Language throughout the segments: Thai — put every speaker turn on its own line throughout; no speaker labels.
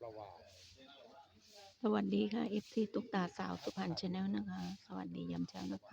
ประวาส
สวัสดีค่ะ FC ตุ๊กตาสาวสุพรรณชาแนลนะคะ สวัสดียามเช้านะคะ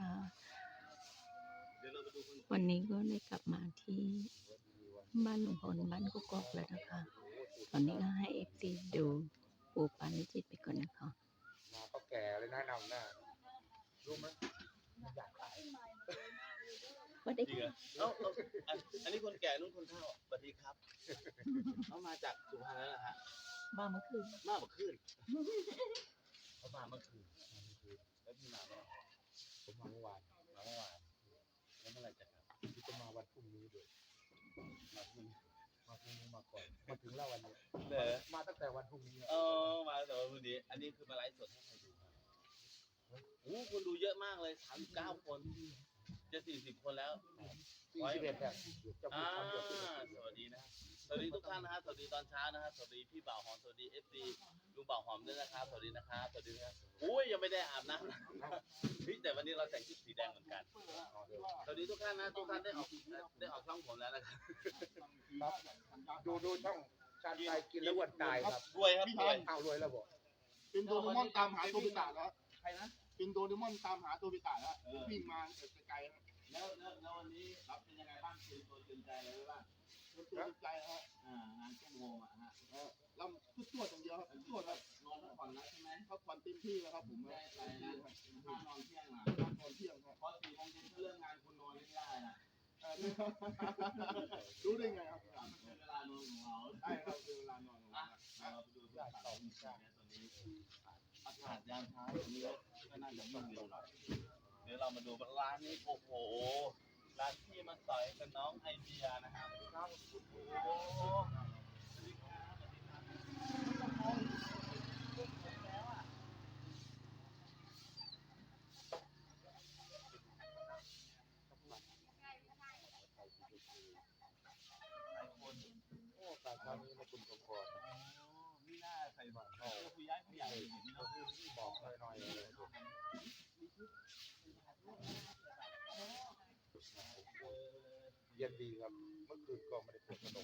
วันนี้ก็ได้กลับมาที่บ้านลุงพลบ้านกุกอกแล้วนะคะ ตอนนี้ก็ให้ FC ดูปูปานิจิตไปก่อนนะคะ
มาก็แก่เลยนะนำหน้ารู้ไหมอยากขาย
สวัสดี
ค่ะอันนี้คนแก่นุ่นคนเฒ่าสวัสดีครับเขามาจากสุพรรณแล้วนะฮะ
มาเมื่อคืน
มาเมื่อคืนเขามาเมื่อคืนแล้วพี่มาเมื่อ
ผมมาเมื่อวาน
แล้วเมื่อไหร่จะกลับ
ที่จะมาวันพรุ่งนี้ด้วยมาพรุ่งนี้มาก่อนมาถึงแล้ววันนี้มาตั้งแต่วันพรุ่งนี้
มาแต่วันพรุ่งนี้อันนี้คือมาไลฟ์สดให้ใครดูครับคนดูเยอะมากเลย39 คนจะ40 คนแล้ว
41แล้ว
สวัสดีนะสวัสดีทุกท่านนะฮะสวัสดีตอนเช้านะฮะสวัสดีพี่บ่าวหอมสวัสดี FC ลุงบ่าวหอมด้วยนะครับสวัสดีนะครับสวัสดีครับยังไม่ได้อาบน้ำแต่วันนี้เราแต่งชุดสีแดงเหมือนกันสวัสดีทุกท่านนะทุกท่านได้ออกช่องผมแล้วนะครับ
ดูช่องชาญชัยกินแล้วอ้วนตายครับ
รวยครับ
รวยแล้วบอก
เป็นโดเรมอนตามหาตัวพิตาแล้วใครนะเป็นโดเรมอนตามหาตัวพิตาแล้ววิ่งมาไกล
แล้ววันนี้ครับเป็นยังไงบ้างคือตัวตื่นใจอะไรบ้าง
ตัวตื่นใจฮะ
งานช่วงโมงฮะ
ลำทุกตัวอย่างเดียวครับทุกตัวครับ
นอนพักผ่อนแล้วใช่ไหม
พักผ่อนเต็มที่แล้วครับผม
ไม่ไปนะถ้านอนเที่ยงนะ
นอนเที่ยงครับ
เพราะ4 โมงเย็นเรื่องงานคุณนอนไม่ได้นะ
รู้ได้ไงครับ
เป็นเวลานอนของเรา
ใช่ครับเป็นเวลานอนของเรา
เราไปดูที่เสาตอนนี้อากาศยามเช้าตรงนี้ก็น่าจะยิ่งเร็วหน่อยเดี๋ยวเรามาดูร้านนี้โอ้โหร้านที่มาต่อยกับน้องไอเดียนะครับโอ้โหสวัสดีครับสวัสดีครับ
การทำนี้มาคุณสมพร
นี่น่าใส่บอกผู้ย้ายผู้ใหญ่เห็นเนาะ
บอกหน่อยเลยเย็นดีครับเมื่อคืนก็ไม่ได้ปวดกระดูก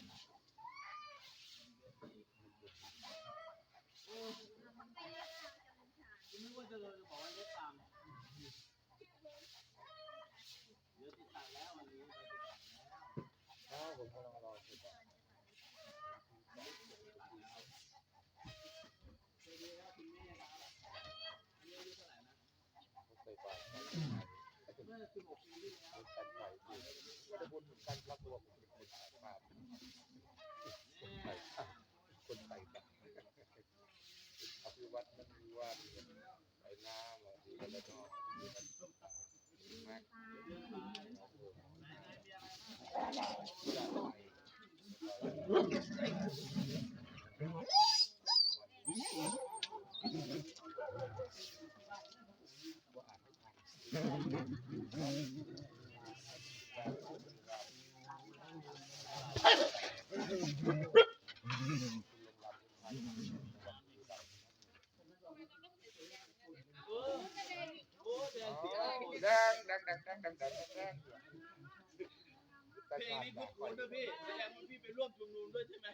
นึกว่าจะบอกว่าเล็กตามเดี๋ยวติดตัดแล้ววันนี้ไปติดตัด
แล้วผมกำลังรอติดตัดใส่ปาก
เมื่อ16 ปีที่แล้ว
ใส่ไข่ที่จะบุญเหมือนกันครับตัวผมเป็นคนใส่ปากคนใส่ปากอภิวัตรมันมีว่าใส่น้ำดีแล้วก็แม็ก
เพลงนี้คุ้นๆด้วยพี่แสดงว่าพี่ไปร่วมชุมนุมด้วยใช่ไหม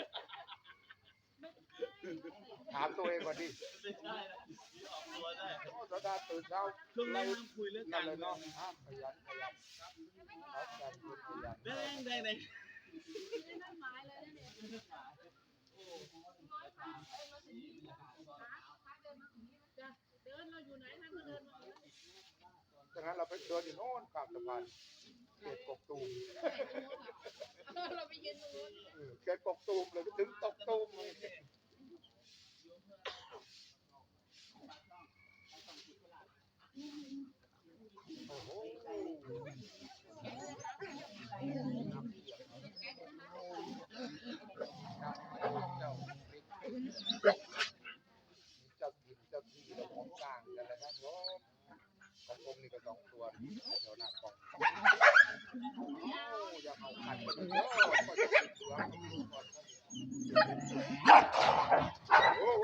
ถามตัวเองก่อนดิ
ไม่ใช่นะพี่ออกตัวได้
สดาตื่นเช้า
ช่วงนี้นั่งคุยเรื่องการ
เลย
เนาะ
ขยันครับการคุยขยัน
ได้
ดังนั้นเราไปเดินอยู่โน่นข้ามสะพานเขตกกตูม
เราไปยืนตรงนู้น
เขตกกตูมเลยถึงตกตูมเลยโอ้โหเจ้าที่เราของกลางกันเลยครับของผมนี่ก็2 ตัวเดี๋ยวหน้ากล่องอย่าเอาขัดกันเยอะก็จะติดตัวโอ้โห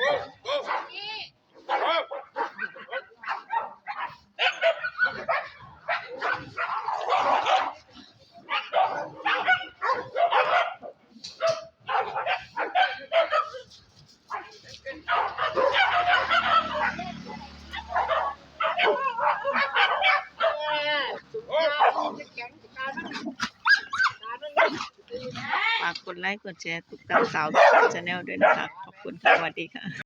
ฝากกดไลค์กดแชร์ตุกตาสาวชาแนลด้วยนะคะ ขอบคุณค่ะสวัสดีค่ะ